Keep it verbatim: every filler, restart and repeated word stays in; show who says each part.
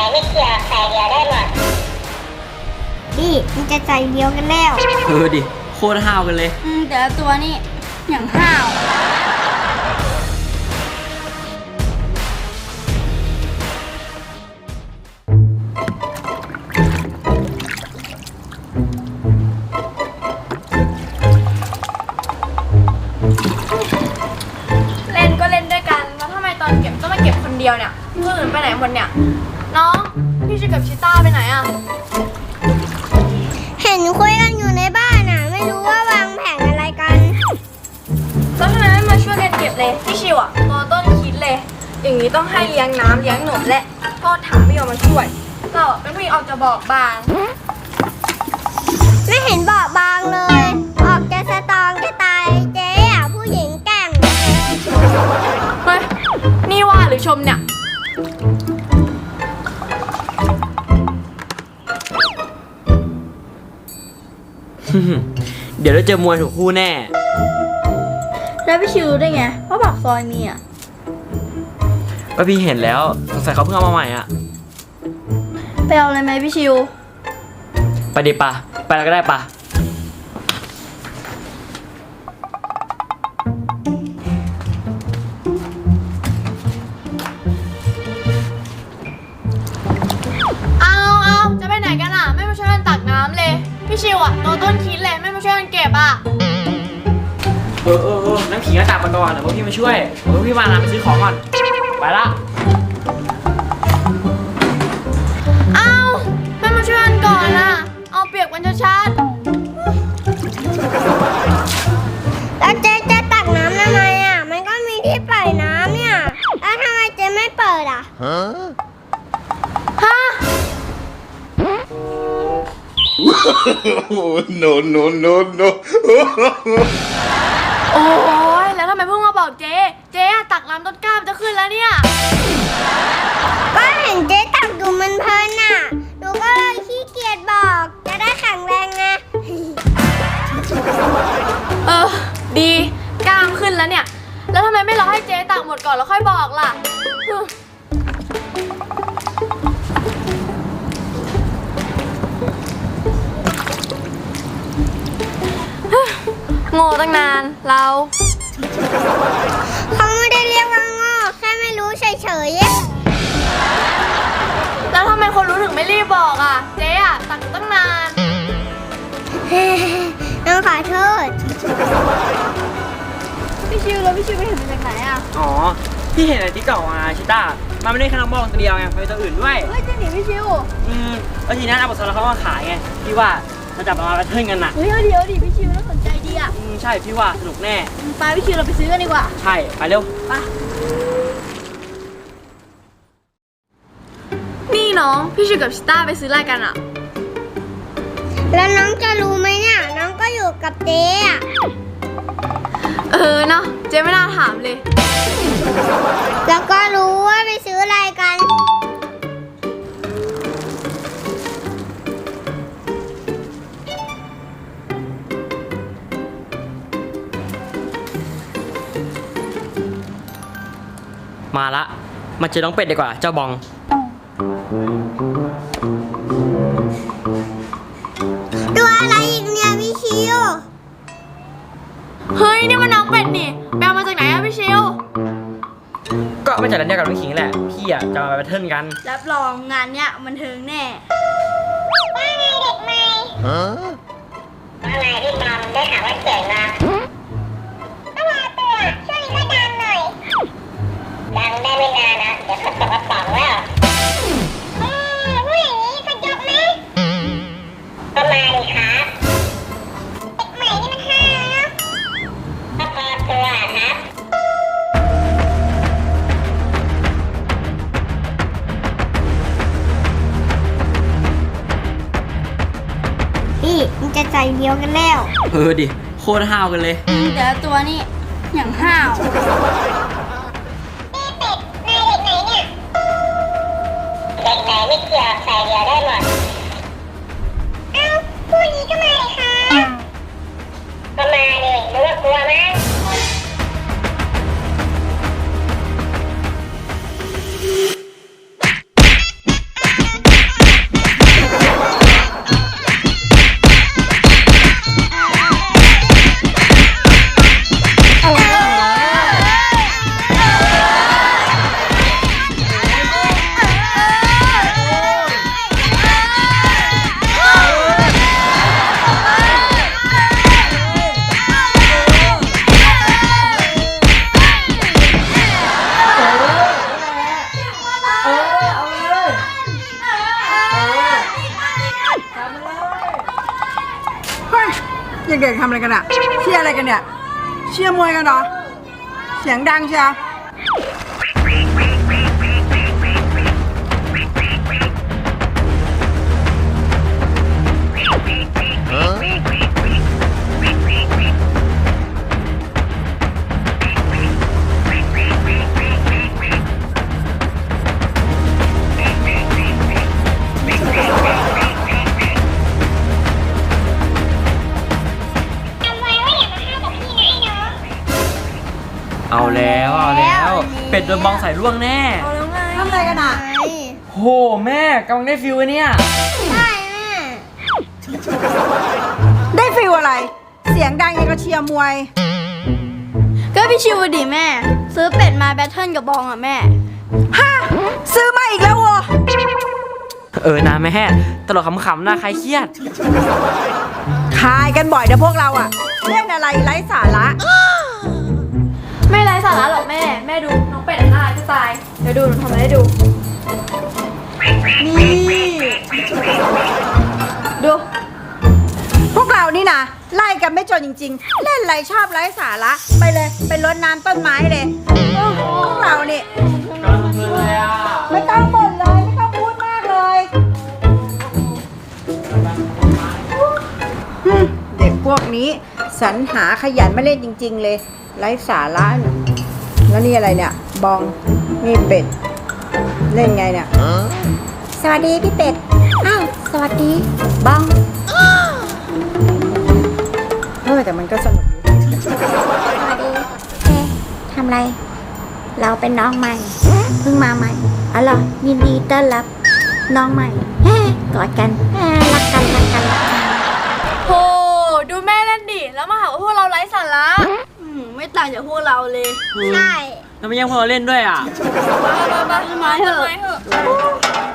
Speaker 1: ไม่เกี่ยวใส่เดียวได้หมดนี่มันจะใจเดียวกันแล้ว
Speaker 2: เออดิโคตรห้าวกันเลย
Speaker 3: อืมแต่ละตัวนี่อย่างห้าวเล่นก็เล่นด้วยกันแล้วทำไมตอนเก็บต้องมาเก็บคนเดียวเนี่ยคนอื่นไปไหนหมดเนี่ยน้องพี่ชิกับชิต้าไปไหนอะ
Speaker 1: เห็นคุยกันอยู่ในบ้านอ่ะไม่รู้ว่าวางแผนอะไรกัน
Speaker 3: แล้วทำไมไม่มาช่วยกันเก็บเลยพี่ชิวอะตัวต้นคิดเลยอย่างนี้ต้องให้เลี้ยงน้ำเลี้ยงหนมและพ่อถามไม่ยอมมาช่วยเราเป็นผู้หญิงออกจะบอกบาง
Speaker 1: ไม่เห็นบอกบางเลยออกจะสตรองจะตายเจ๊อ่ะผู้หญิงแกร่ง
Speaker 3: เฮ้ยนี่ว่าหรือชมเนี่ย
Speaker 2: เดี๋ยวเราเจอมวยถูกคู่แน่
Speaker 3: แล้วพี่ชิวรู้ได้ไงว่าปากซอยมีอ่ะ
Speaker 2: ก็พี่เห็นแล้วสงสัยเขาเพิ่งเอามาใหม่อ่ะ
Speaker 3: ไปเอาอะไรไหมพี่ชิว
Speaker 2: ไปดิปะไปแล้วก็ได้ปะ
Speaker 3: เอาเอาจะไปไหนกันอ่ะไม่มาช่วยกันตักน้ำเลยพี่ชิวอ่ะตัวต้นคิดเลยไม่มาช่วยกันเก็บอ่ะ
Speaker 2: เออเออเออน้ำขิงก็ตักมาก่อนเดี๋ยวพวกพี่มาช่วยเดี๋ยวพวกพี่มานะไปซื้อของก่อนไปละ
Speaker 3: เอาไม่มาช่วยกันก่อนอ่ะเอาเปียกมันชัด
Speaker 1: แล้วเจ๊จะตักน้ำทำไมอ่ะมันก็มีที่ปล่อยน้ำเนี่ยแล้วทำไมเจ๊ไม่เปิดอ่ะ
Speaker 3: ฮะ
Speaker 4: no no no no
Speaker 3: โอ้ยแล้วทำไมเพิ่งมาบอกเจ๊เจ๊ตักน้ำต้นกล้ามจะขึ้นแล้วเนี่ย
Speaker 1: ก็เห็นเจ๊ตักดูมันเพลินน่ะหนูก็เลยขี้เกียจบอกจะได้แข็งแรงไง
Speaker 3: เออดีกล้ามขึ้นแล้วเนี่ยแล้วทำไมไม่รอให้เจ๊ตักหมดก่อนแล้วค่อยบอกล่ะโง่ตั้งนานเรา
Speaker 1: เขาไม่ได้เรียกว่าโง่แค่ไม่รู้เฉย
Speaker 3: ๆแล้วทำไมคนรู้ถึงไม่รีบบอกอ่ะเจ๊อ่ะตักตั้งนาน
Speaker 1: น้องขอโทษ
Speaker 3: พี่ชิวแล้วพี่ชิวไปเห็นมาจากไหนอ่ะ
Speaker 2: อ๋อพี่เห็นในติ๊กต็อกมาชิต้ามันไม่ได้แค่น้องบอกตัวเดียวไงมันมีตัวอื่นด้วย
Speaker 3: เฮ้ยจริงดิพี่ชิว
Speaker 2: อืมแล้วทีนั้นเอาบทสรุปเขามาขายไงพี่ว่าเราจับมาเทิร์นกันนะ
Speaker 3: เฮ้ยเดี๋ยวดิพี่ชิวน่าสนใจดีอ่ะ
Speaker 2: อืมใช่พี่ว่าสนุกแน่
Speaker 3: ไปพี่ชิวเราไปซื้อกันดีกว่า
Speaker 2: ใช่ไปเร็ว
Speaker 3: ไปนี่น้องพี่ชิวกับชิต้าไปซื้ออะไรกันอ่ะ
Speaker 1: แล้วน้องจะรู้ไหมเนี่ยน้องก็อยู่กับเจ๊อ่ะ
Speaker 3: เออเนาะเจ๊ไม่น่าถามเลย
Speaker 1: แล้วก็รู้ว่าไปซื้ออะไรกัน
Speaker 2: มาละมาเจอน้องเป็ดดีกว่าเจ้าบอง
Speaker 1: ตัวอะไรอีกเนี่ยพี่ชิว
Speaker 3: เฮ้ยนี่มันน้องเป็ดนี่ไปเอามาจากไหนอะพี่ชิว
Speaker 2: ก็มาจากร้านเดียวกับน้องขิงแหละพี่อะจะมาไปเทิร์นกัน
Speaker 3: รับรองงานเนี้ยมันเทิงแน่
Speaker 1: ว่าไงเด็กใหม่ฮะว่าไงพี่บอมได้ข่าวว่าเจ๋งนะก็รอตัวช่วงนี้ก็ดังหน่อยดังได้ไม่นานนะเดี๋ยวเขาตกกระป๋องแล้วเออพูดอย่างนี้จะยกไหมก็มาดิครับเด็กใหม่นี่มันห้านะก็พอตัวครับพี่มันจะใจเดียวกันแล้ว
Speaker 2: เออดิโคตรห้าวกันเลย
Speaker 3: แต่ละตัวนี่อย่างห้าว
Speaker 1: เด็กไหนไม่เกี่ยวใส่เดียวได้หมดเอ้าคู่นี้ก็มาเลยค่ะก็มาเลยรู้ว่ากลัวมั้ง
Speaker 4: เด็กๆทำอะไรกันอะเชียร์อะไรกันเนี่ยเชียร์มวยกันเหรอเสียงดังเชียว
Speaker 1: จำไว้ว่าอย่ามาฆ่ากับพี่นะไอ้น้อง
Speaker 2: เอาแล้วเอาแล้ว เป็ดโดนบองใส่ร่วงแน่
Speaker 3: เอาแล้วไง
Speaker 4: ทำอะไรกันอะ
Speaker 2: โหแม่กำลังได้ฟิลเลยเนี่ย
Speaker 1: ได้แม่
Speaker 4: ได้ฟิลอะไร เสียงดังยังก็เชียร์มวย
Speaker 3: ก็พี่ชิวดิแม่ ซื้อเป็ดมาแบทเทิลกับบองอ่ะแม่
Speaker 4: ฮะซื้อมาอีกแล้ววะ
Speaker 2: เออนะแม่ตลกขำๆนะใครเครียด
Speaker 4: คายกันบ่อยนะพวกเราอะเล่นอะไรไร้สาระ
Speaker 3: ไม่ไร้สาระหรอกแม่ แม่ดูน้องเป็ดน่ารักจะตาย เดี๋ยวดูหนูทำอะไรให้ดู นี่ ดู
Speaker 4: พวกเรานี่นะไล่กันไม่จนจริงๆ เล่นอะไรชอบไร้สาระไปเลยไปรดน้ำต้นไม้เลยโอ้โหพวกเรานี่
Speaker 2: กำลังเพลินเลยอ่ะ
Speaker 4: ไม่ต้องบ่นเลยไม่ต้องพูดมากเลยอืมเด็กพวกนี้สรรหาขยันมาเล่นจริง ๆ เลยไร้สาระเนี่ยแล้วนี่อะไรเนี่ยบองนี่เป็ดเล่นไงเนี่ยสวัสดีพี่เป็ดอ้าวสวัสดีบองเออแต่มันก็สนุกดี
Speaker 1: สวัสดีเอ๊ะทำไร เราเป็นน้องใหม่ เพิ่งมาใหม่อ๋อเหรอยินดีต้อนรับน้องใหม่เฮ้กอดกันเฮ้รักกันรักกันรักกัน
Speaker 3: โห ดูแม่เล่นดิ แล้วมาหาว่าพวกเราไร้สาระอืมไม่ต่างจากพวกเราเลย
Speaker 1: ใช่
Speaker 2: แล้วไม่ยังพวกเราเล่นด้วยอ่ะ
Speaker 3: มามามามาเถอะ